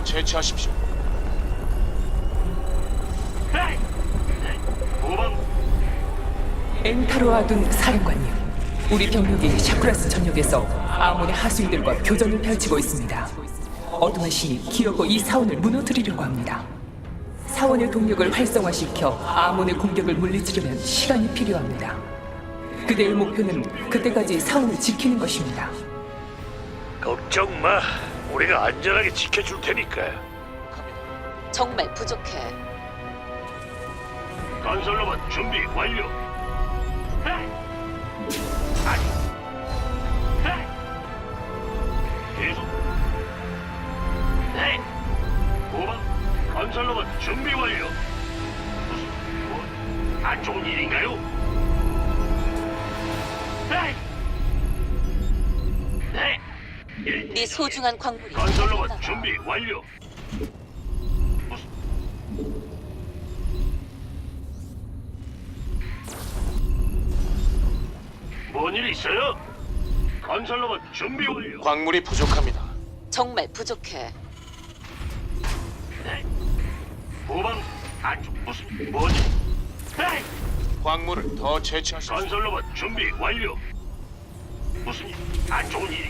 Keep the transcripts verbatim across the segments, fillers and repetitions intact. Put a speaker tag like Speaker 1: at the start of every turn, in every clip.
Speaker 1: 채취하십시오.
Speaker 2: 엔타로아둔 사령관님, 우리 병력이 샤크라스 전역에서 아몬의 하수인들과 교전을 펼치고 있습니다. 어둠의 신이 기어고 이 사원을 무너뜨리려고 합니다. 사원의 동력을 활성화시켜 아몬의 공격을 물리치려면 시간이 필요합니다. 그대의 목표는 그때까지 사원을 지키는 것입니다.
Speaker 3: 걱정 마. 우리가 안전하게 지켜줄 테니까.
Speaker 4: 정말 부족해.
Speaker 3: 건설로봇 준비 완료. 아니. 계속. 네. 고방. 건설로봇 준비 완료. 무슨 뭐? 안 좋은 일인가요? 네. 네.
Speaker 4: 네 소중한 광물이
Speaker 3: 건설로봇
Speaker 4: 바닥났나 봐.
Speaker 3: 준비 완료. 무슨 뭔일 있어요? 건설로봇 준비 완료.
Speaker 1: 광물이 부족합니다.
Speaker 4: 정말 부족해.
Speaker 3: 네. 후방 안쪽 무슨 뭐지? 네.
Speaker 1: 광물을 더 채취하십시오.
Speaker 3: 건설로봇 준비 완료. 무슨 일? 안 좋은 일이?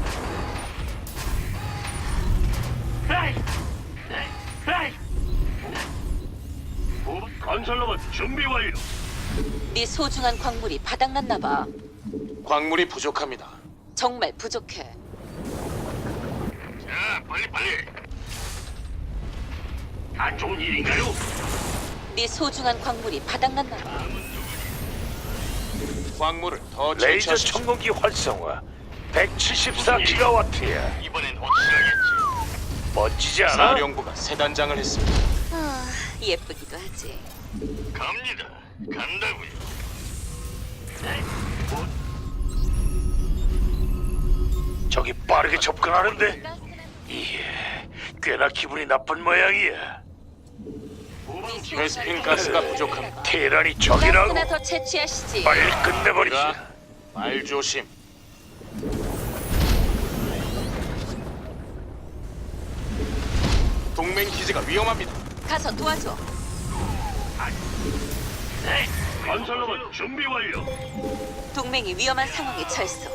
Speaker 3: 네. 네. 네. 후방 건설로봇 준비 완료.
Speaker 4: 네 소중한 광물이 바닥났나 봐.
Speaker 1: 광물이 부족합니다.
Speaker 4: 정말 부족해.
Speaker 3: 자, 빨리 빨리. 안 좋은 일인가요?
Speaker 4: 네 소중한 광물이 바닥났나 봐.
Speaker 1: 광물을 더
Speaker 3: 레이저
Speaker 1: 채취하십시오.
Speaker 3: 청공기 활성화 백칠십사 기가와트야. 이번엔 확실하겠지. 멋지지 않아?
Speaker 1: 사령부가 세 단장을 했습니다.
Speaker 4: 아, 예쁘기도 하지.
Speaker 3: 갑니다. 간다고요. 네. 뭐? 저기 빠르게 접근하는데? 이게 꽤나 기분이 나쁜 모양이야.
Speaker 1: 베스핀 가스가 부족합니다.
Speaker 3: 테란이 적이라고.
Speaker 4: 가스나 더 채취하시지.
Speaker 3: 빨리 끝내버리자.
Speaker 1: 자, 말 조심. 동맹 기지가 위험합니다.
Speaker 4: 가서 도와줘.
Speaker 3: 네. 건설로봇 준비 완료.
Speaker 4: 동맹이 위험한 상황에 처했어.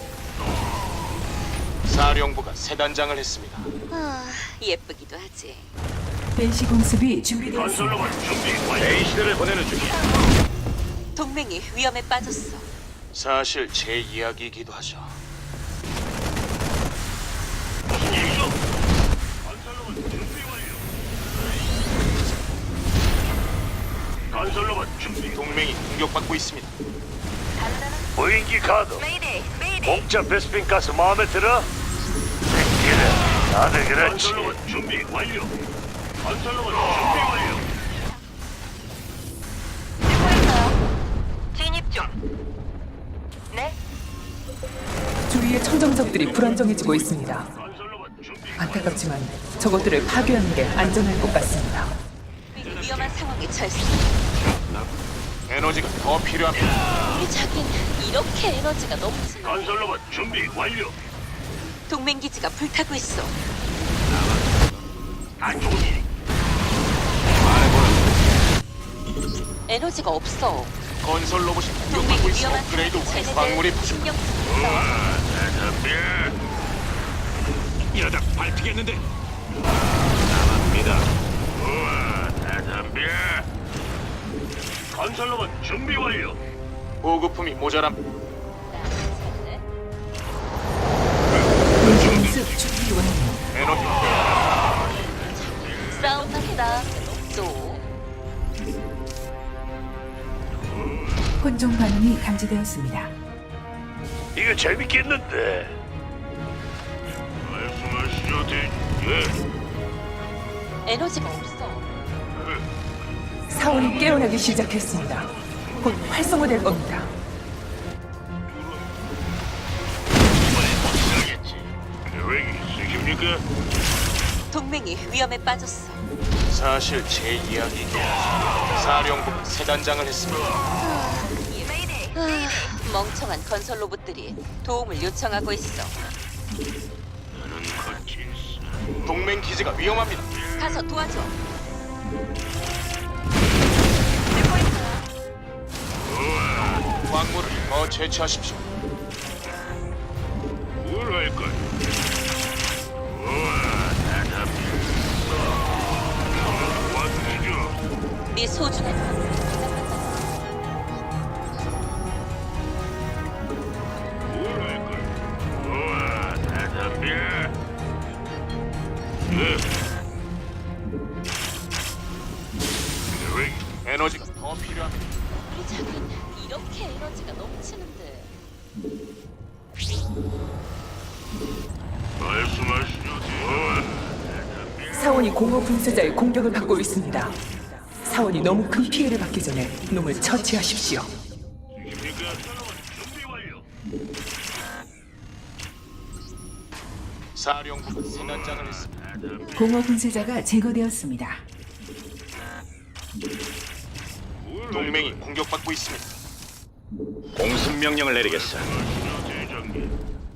Speaker 1: 사령부가 세 단장을 했습니다.
Speaker 4: 아, 예쁘기도 하지.
Speaker 2: 벤시 공습이 준비되었습니다.
Speaker 3: 건설로봇 준비 완료. 레이시대를 보내는 중이야.
Speaker 4: 동맹이 위험에 빠졌어.
Speaker 1: 사실 제 이야기이기도 하죠.
Speaker 3: 무슨 일이죠? 건설로봇 준비 완료. 건설로봇 준비.
Speaker 1: 동맹이 공격받고 있습니다.
Speaker 3: 무인기 가도. 공짜 베스핀 가스 마음에 들어? 그래, 다들 그렇지. 건설로봇 준비 완료. 건설로봇 준비 완료.
Speaker 5: 진입 중. 네?
Speaker 2: 주위의 청정적들이 불안정해지고 있습니다.
Speaker 3: 건설로봇 준비.
Speaker 2: 안타깝지만 저것들을 파괴하는 게 안전할 것 같습니다.
Speaker 4: 동맹이 위험한 상황에 처했어.
Speaker 1: 에너지가 더 필요합니다.
Speaker 4: 우리 자긴 이렇게 에너지가 넘치는.
Speaker 3: 건설로봇 준비 완료.
Speaker 4: 동맹 기지가 불타고 있어.
Speaker 3: 안 좋은 일이.
Speaker 4: 에너지가 없어.
Speaker 1: 건설 로봇이 공격받고
Speaker 4: 동맹이
Speaker 1: 있어.
Speaker 4: 위험한
Speaker 1: 업그레이드
Speaker 4: 상황에
Speaker 1: 후
Speaker 4: 처했을
Speaker 1: 광물이
Speaker 4: 때
Speaker 1: 부족.
Speaker 4: 신경 쓰고 있어.
Speaker 3: 이러다 밟히겠는데. 남합니다. 우와, 대담비. 건설로봇 준비 완료.
Speaker 1: 보급품이 모자람.
Speaker 2: 벤시 공습 준비 완료.
Speaker 1: 에너지
Speaker 4: 싸움 났다. 또
Speaker 2: 혼종 반응이 감지되었습니다.
Speaker 3: 이거 재밌겠는데. 말씀하시죠, 대. 예.
Speaker 4: 에너지가 없어.
Speaker 2: 사원이 깨어나기 시작했습니다. 곧 활성화될 겁니다.
Speaker 3: 이번엔 확실하겠지. 계획이 있으십니까?
Speaker 4: 동맹이 위험에 빠졌어.
Speaker 1: 사실 제 이야기이기도 하죠. 사령부가 세 단장을 했습니다.
Speaker 4: 아, 멍청한 건설 로봇들이 도움을 요청하고 있어.
Speaker 3: 나는 거친
Speaker 1: 동맹 기지가 위험합니다.
Speaker 4: 가서 도와줘.
Speaker 5: 듣고 있어요.
Speaker 1: 광물을 더 채취하십시오.
Speaker 3: 뭘 할까? 우와, 대답이 도와주시죠.
Speaker 4: 네 소중한 광물이 바닥났나
Speaker 3: 뭘 할까? 우와, 대답이. 네. 왜?
Speaker 1: 에너지가 더 필요합니다.
Speaker 4: 봐. 우리 작은 이렇게 에너지가 넘치는데.
Speaker 3: 말씀하시죠. 우와, 대답이.
Speaker 2: 사원이 공허 분쇄자의 공격을 받고 있습니다. 사원이 너무 큰 피해를 받기 전에 놈을 처치하십시오.
Speaker 3: 지십니까? 준비 완료.
Speaker 1: 사령부가 세난장을 했습니다.
Speaker 6: 공허 분쇄자가 제거되었습니다.
Speaker 1: 동맹이 공격받고 있습니다.
Speaker 7: 공습 명령을 내리겠어.
Speaker 3: 대장님.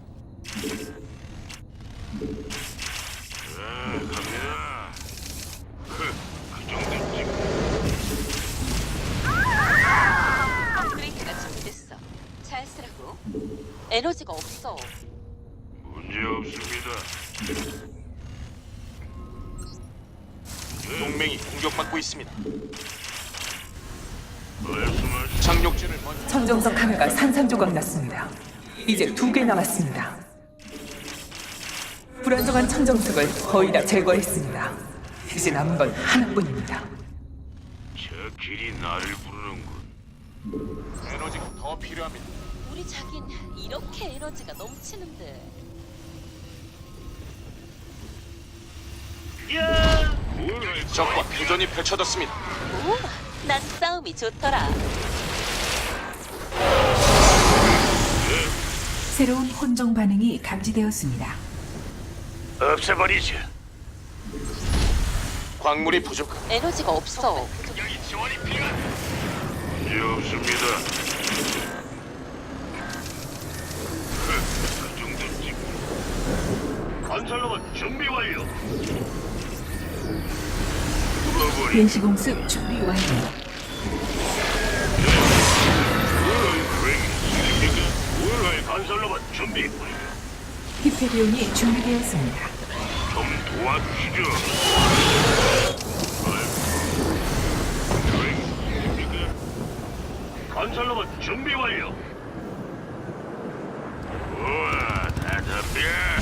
Speaker 3: 아, 갑니다. 그, 그 정도쯤.
Speaker 4: 업그레이드가 준비됐어. 잘 쓰라고. 에너지가 없어.
Speaker 3: 문제 없습니다.
Speaker 1: 동맹이 공격받고 있습니다.
Speaker 3: 말씀하시죠.
Speaker 1: 착륙지를 먼저
Speaker 2: 천정석 하나가 산산조각 났습니다. 이제 두 개 남았습니다. 불안정한 천정석을 거의 다 제거했습니다. 이제 남은 건 하나뿐입니다.
Speaker 3: 저 길이 나를 부르는군.
Speaker 1: 에너지가 더 필요합니다.
Speaker 4: 우리 자긴 이렇게 에너지가 넘치는데.
Speaker 3: 뭘 할까?
Speaker 1: 적과 교전이 펼쳐졌습니다.
Speaker 4: 오, 난 싸움이 좋더라.
Speaker 6: 새로운 혼종 반응이 감지되었습니다.
Speaker 3: 없애버리죠.
Speaker 1: 광물이 부족한
Speaker 4: 에너지가 없어.
Speaker 3: 여기 지원이 필요한. 문제 없습니다. 그, 그 정도쯤. 건설로봇 준비 완료. 뚫어버리.
Speaker 6: 변시공습 준비 완료.
Speaker 3: 건설로봇 준비 완료.
Speaker 6: 히페리온이 준비되었습니다.
Speaker 3: 좀 도와주시죠. 건설로봇 준비 완료. 우와, 대답해.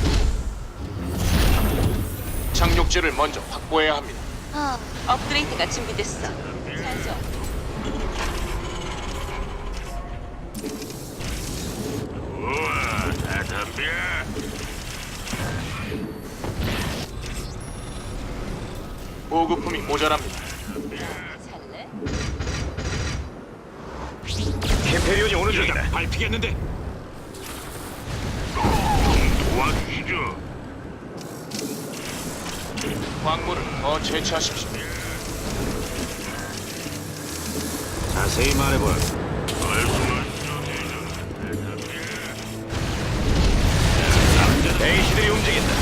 Speaker 1: 착륙지를 먼저 확보해야 합니다.
Speaker 4: 아, 업그레이드가 준비됐어. 잘 줘.
Speaker 3: 우와, 대답해.
Speaker 1: 보급품이 모자랍니다.
Speaker 4: 잘래?
Speaker 7: 캠페리온이 오는 중이다.
Speaker 3: 밟히겠는데. 좀 도와주시죠.
Speaker 1: 광물을 더 채취하십시오.
Speaker 7: 자세히 말해보라.
Speaker 3: 말씀하시죠, 대장님.
Speaker 7: 베이시들이 움직인다.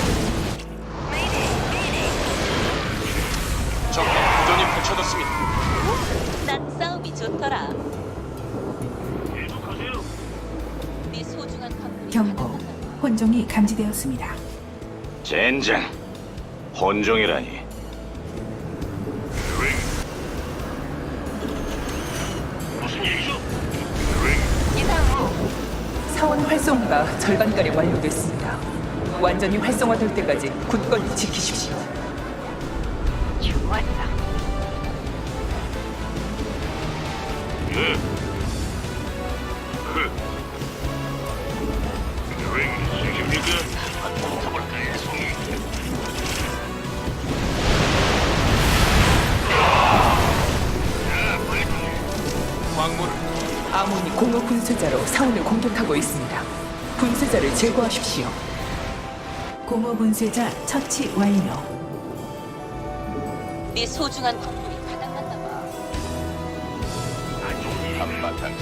Speaker 1: 적과 교전이 펼쳐졌습니다.
Speaker 4: 난 싸움이 좋더라.
Speaker 3: 계속하세요.
Speaker 4: 네 소중한 광물이
Speaker 6: 경고.
Speaker 4: 바닥났나 봐.
Speaker 6: 혼종이 감지되었습니다.
Speaker 7: 젠장. 혼종이라니.
Speaker 3: ring. 무슨 얘기죠? ring.
Speaker 2: 사원 활성화가 절반가량 완료됐습니다. 완전히 활성화될 때까지 굳건히 지키십시오.
Speaker 5: 좋았어.
Speaker 3: 네. 그. ring 지십니까? 한번 타볼까요, 송이? 자, 빨리.
Speaker 1: 광물을
Speaker 2: 아몬이 공허 분쇄자로 사원을 공격하고 있습니다. 분쇄자를 제거하십시오.
Speaker 6: 공허 분쇄자 처치 완료.
Speaker 4: 네 소중한 광물이 바닥났나 봐.
Speaker 1: 한바탕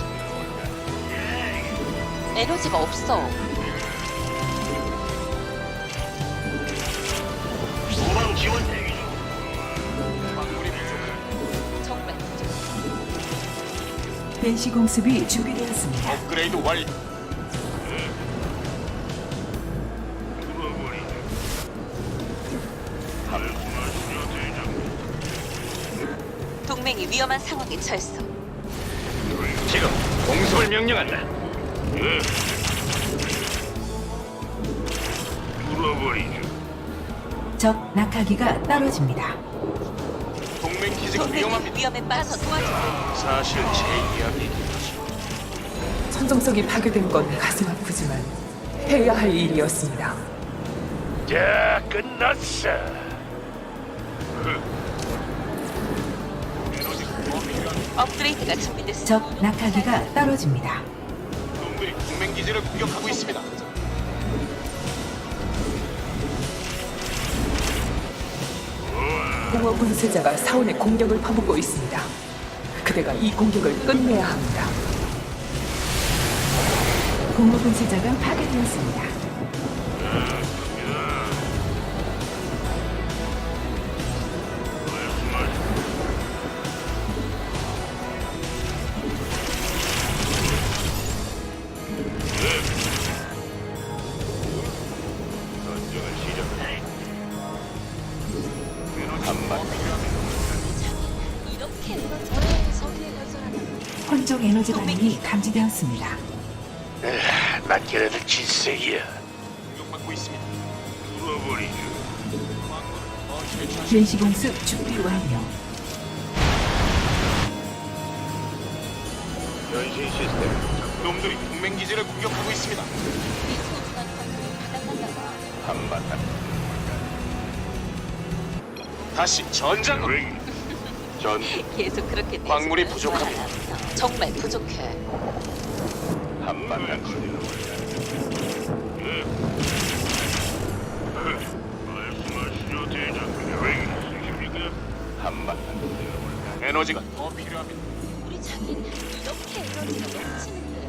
Speaker 4: 에너지가 없어.
Speaker 3: 후방 지원 대기 중.
Speaker 1: 광물이 부족합니다.
Speaker 4: 정말 부족해.
Speaker 6: 벤시 공습이 준비되었습니다.
Speaker 1: 업그레이드 완료.
Speaker 3: 뚫어버리죠. 말씀하시죠, 대장님.
Speaker 4: 동맹이 위험한 상황에 처했어.
Speaker 7: 지금 공습을 명령한다.
Speaker 3: 예. 뚫어버리죠.
Speaker 6: 적 낙하기가 떨어집니다.
Speaker 1: 동맹 기지가
Speaker 4: 동맹이
Speaker 1: 위험합니다.
Speaker 4: 위험에 빠져 도와주세요.
Speaker 1: 사실 제 이야기이긴 하죠.
Speaker 2: 천정석이 파괴된 건 가슴 아프지만 해야 할 일이었습니다.
Speaker 3: 자, 끝났어.
Speaker 4: 업그레이드가 준비됐어.
Speaker 6: 적 낙하기가 떨어집니다.
Speaker 1: 놈들이 동맹 기지를 공격하고 있습니다.
Speaker 2: 공허 분쇄자가 사원의 공격을 퍼붓고 있습니다. 그대가 이 공격을 끝내야 합니다.
Speaker 6: 공허 분쇄자가 파괴되었습니다.
Speaker 3: 전쟁을 시작해.
Speaker 4: 이렇게 에너지가 서기에 건설하는
Speaker 6: 혼종 에너지 반응이 감지되었습니다.
Speaker 3: 난 걔네들 질색이야.
Speaker 1: 공격받고 있습니다.
Speaker 3: 뚫어버리죠.
Speaker 1: 더 채취하십시오.
Speaker 6: 벤시 공습 준비 완료.
Speaker 3: 변신 시스템.
Speaker 1: 놈들이 동맹 기지를 공격하고 있습니다.
Speaker 4: 이 소중한 광물이 바닥났나 봐.
Speaker 3: 한바탕.
Speaker 1: 다시 전장으로.
Speaker 3: 링. 전
Speaker 4: 계속 그렇게 내
Speaker 1: 광물이
Speaker 4: 손을
Speaker 1: 부족합니다.
Speaker 4: 달아나면서 정말 부족해.
Speaker 3: 한바탕. 말씀하시죠, 대장님. 왜 있으십니까? 한바탕.
Speaker 1: 에너지가 더 필요합니다.
Speaker 4: 우리 자긴 이렇게 에너지가 넘치는데.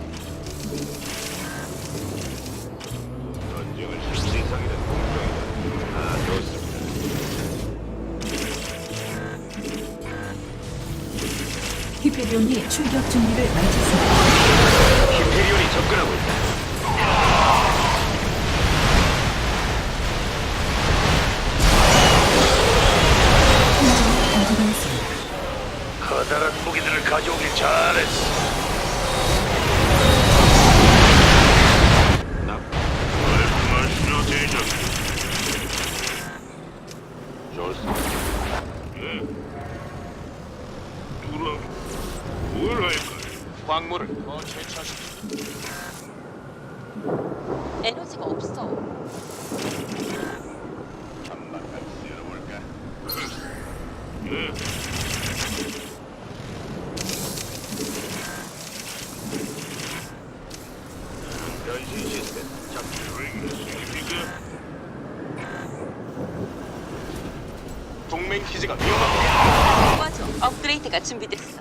Speaker 3: 전쟁을 실시상이든 공정이든 다 좋습니다.
Speaker 6: 히페리온이 출격 준비를 마쳤습니다.
Speaker 7: 히페리온이 접근하고 있다.
Speaker 6: 혼종이 감지되었습니다.
Speaker 3: 커다란 무기들을 가져오길 잘했어. 말씀하시죠, 대장님. 좋습니다. 예. 누구라? 뭘 할까요?
Speaker 1: 광물을 더 채취하십시오.
Speaker 4: 에너지가 없어.
Speaker 3: 한바탕 쓸어볼까? 예. 변신 시스템 작동 중입니까?
Speaker 1: 동맹 기지가 위험합니다.
Speaker 4: 도와줘. 업그레이드가 준비됐어.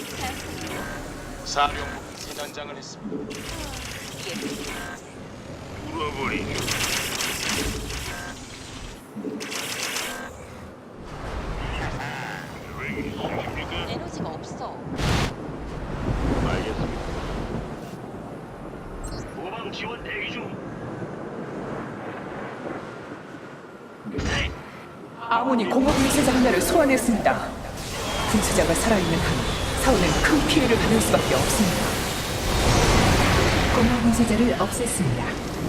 Speaker 1: 사령부 세 단장을 했습니다.
Speaker 4: 이게
Speaker 3: 뚫어버리죠. 왜 있으십니까?
Speaker 4: 에너지가 없어.
Speaker 3: 알겠습니다. 후방 지원 대기 중. 네.
Speaker 2: 아몬이 공허 분쇄자 하나를 소환했습니다. 분쇄자가 살아있는 한 사원은 큰 피해를 받을 수밖에 없습니다.
Speaker 6: 공허 분쇄자를 없앴습니다.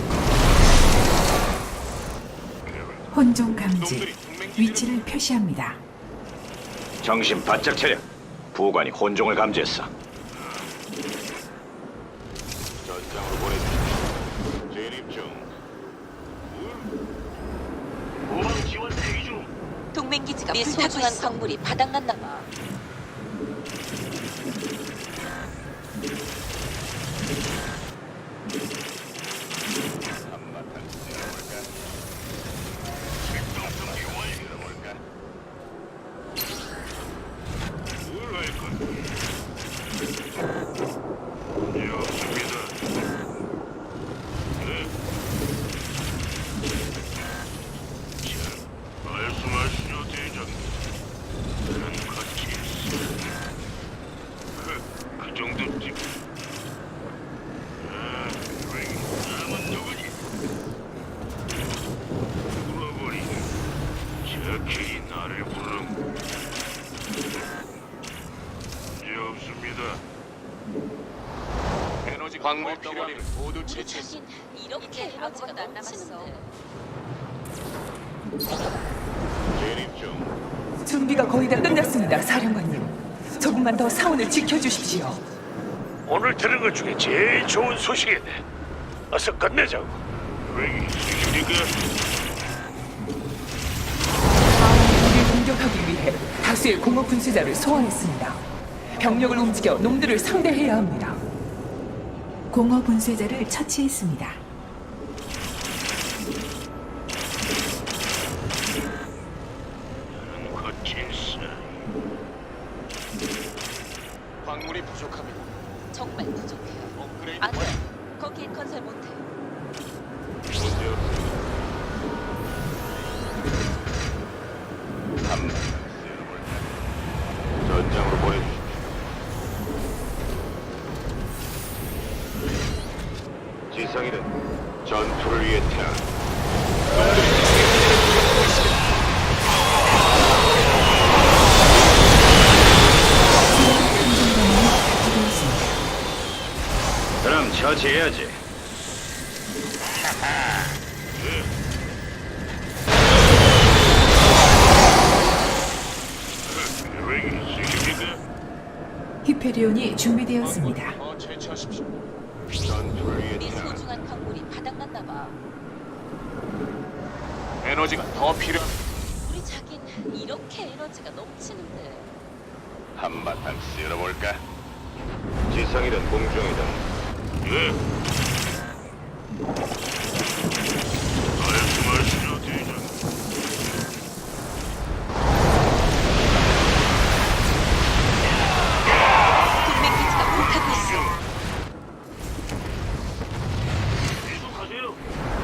Speaker 6: 혼종 감지. 위치를 표시합니다.
Speaker 7: 정신 바짝 차려. 부관이 혼종을 감지했어.
Speaker 3: 전장으로 보내주십시오. 진입 중. 후방 지원 대기 중.
Speaker 4: 동맹 기지가 네 소중한 광물이 바닥났나 봐.
Speaker 3: 한바탕 쓸어볼까? 출동 준비 완료. 쓸어볼까? 뭘 할 건데? 문제 없습니다. 네. 자, 말씀하시죠.
Speaker 1: 광물 덩어리를 모두
Speaker 4: 우리
Speaker 1: 제치했습니다.
Speaker 4: 자긴 이렇게 에너지가 넘치는데.
Speaker 7: 진입 중.
Speaker 2: 준비가 거의 다 끝났습니다, 사령관님. 조금만 더 사원을 지켜주십시오.
Speaker 3: 오늘 들은 것 중에 제일 좋은 소식이네. 어서 끝내자고. 왜 이십니까?
Speaker 2: 우리를 공격하기 위해 다수의 공업 분쇄자를 소환했습니다. 병력을 움직여 놈들을 상대해야 합니다.
Speaker 6: 공허 분쇄자를 처치했습니다.
Speaker 3: 거친스.
Speaker 1: 광물이 부족합니다.
Speaker 4: 정말 부족해요.
Speaker 1: 업그레이드
Speaker 4: 안 돼.
Speaker 1: 완료.
Speaker 4: 거긴 건설 못해.
Speaker 7: 문제 없습니다. 한번 쓸어볼까? 전장으로 보내주십시오. 지상이는 전투를 위해 태어난 그럼 처치해야지.
Speaker 3: 왜 이십니까?
Speaker 6: 히페리온이 준비되었습니다.
Speaker 1: 더 채취하십시오.
Speaker 7: 전투를 위해
Speaker 4: 우리
Speaker 7: 태어난
Speaker 4: 소중한 광물이 바닥났나 봐.
Speaker 1: 에너지가 더 필요합니다.
Speaker 4: 우리 자긴 이렇게 에너지가 넘치는데.
Speaker 7: 한바탕 쓸어볼까? 지상이든 공중이든
Speaker 3: 예. 말씀하시죠, 대장.
Speaker 4: 동맹 기지가 불타고 있어.
Speaker 3: 계속하세요.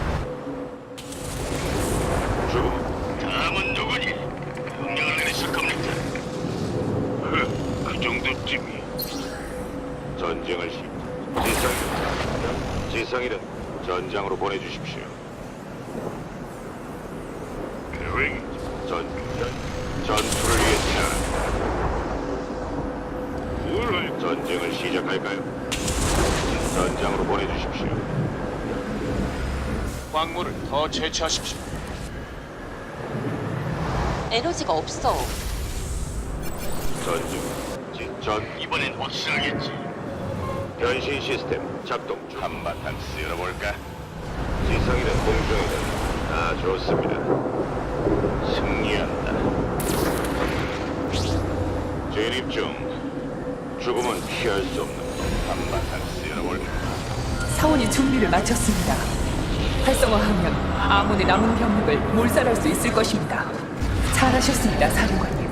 Speaker 7: 죽음.
Speaker 3: 다음은 누구니? 명령을 내리실 겁니까? 그 정도쯤이.
Speaker 7: 전쟁을 시 지상 지상이든 전장으로 보내주십시오.
Speaker 3: 계획이
Speaker 7: 전 전투를 위해 태어난
Speaker 3: 뭘 할?
Speaker 7: 전쟁을 시작할까요? 전장으로 보내주십시오.
Speaker 1: 광물을 더 채취하십시오.
Speaker 4: 에너지가 없어.
Speaker 7: 전중 전
Speaker 3: 이번엔 확실하겠지.
Speaker 7: 변신 시스템 작동 중. 한바탕 쓸어볼까? 지상이든 공중이든 다 좋습니다. 승리한다. 진입 중. 죽음은 피할 수 없는 것. 한바탕 쓸어볼까?
Speaker 2: 사원이 준비를 마쳤습니다. 활성화하면 아몬의 남은 병력을 몰살할 수 있을 것입니다. 잘하셨습니다, 사령관님.